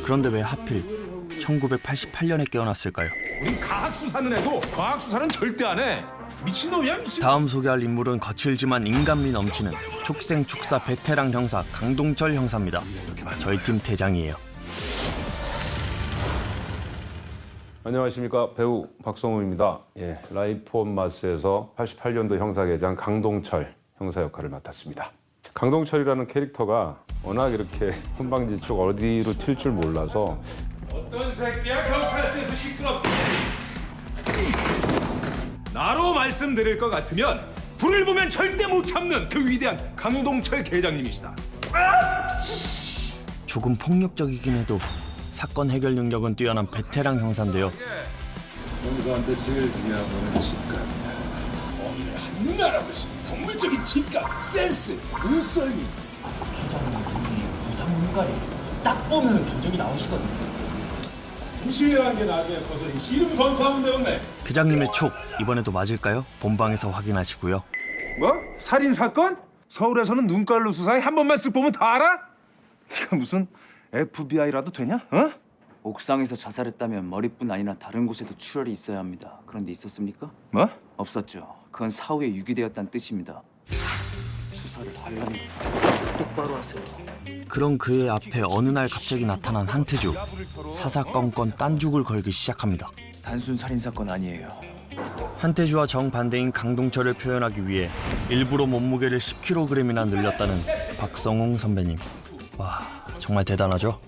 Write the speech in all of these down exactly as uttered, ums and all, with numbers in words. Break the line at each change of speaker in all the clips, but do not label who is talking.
그런데 왜 하필 천구백팔십팔 년에 깨어났을까요?
우린 과학 수사는 해도 과학 수사는 절대 안 해. 미친놈이야 미친.
다음 소개할 인물은 거칠지만 인간미 넘치는 촉생촉사 베테랑 형사 강동철 형사입니다. 저희 팀 대장이에요.
안녕하십니까, 배우 박성우입니다. 예, 라이프 온 마스에서 팔십팔 년도 형사계장 강동철 형사 역할을 맡았습니다. 강동철이라는 캐릭터가 워낙 이렇게 혼방지축 어디로 튈 줄 몰라서
어떤 새끼야 경찰서에서 시끄럽게. 나로 말씀드릴 것 같으면 불을 보면 절대 못 참는 그 위대한 강동철 계장님이시다.
조금 폭력적이긴 해도 사건 해결 능력은 뛰어난 베테랑 형사인데요.
형사한테 제일 중요한 거는 직감이야. 없는 알아보시 동물적인 직감, 센스, 눈썰미.
회장님 눈이 무당 눈깔이 딱 보면 견적이 나오시거든요.
부실한 게 나중에 커서 씨름 선수하면 되겠네.
회장님의 촉 이번에도 맞을까요? 본방에서 확인하시고요.
뭐? 살인 사건? 서울에서는 눈깔로 수사해 한 번만 쓱 보면 다 알아? 이거 무슨 에프비아이라도 되냐? 어?
옥상에서 자살했다면 머리뿐 아니라 다른 곳에도 출혈이 있어야 합니다. 그런데 있었습니까?
뭐?
없었죠. 그건 사후에 유기되었다는 뜻입니다. 수사를 하려면 똑바로 하세요.
그런 그의 앞에 어느 날 갑자기 나타난 한태주. 사사건건 딴죽을 걸기 시작합니다.
단순 살인 사건 아니에요.
한태주와 정반대인 강동철을 표현하기 위해 일부러 몸무게를 십 킬로그램이나 늘렸다는 박성웅 선배님. 와, 정말 대단하죠?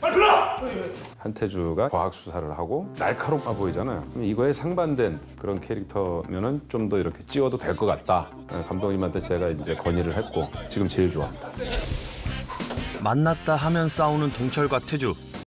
한태주가 과학 수사를 하고 날카롭아 보이잖아요. 그럼 이거에 상반된 그런 캐릭터면은 좀 더 이렇게 찍어도 될 것 같다. 감독님한테 제가 이제 건의를 했고 지금 제일 좋아합니다.
만났다 하면 싸우는 동철과 태주.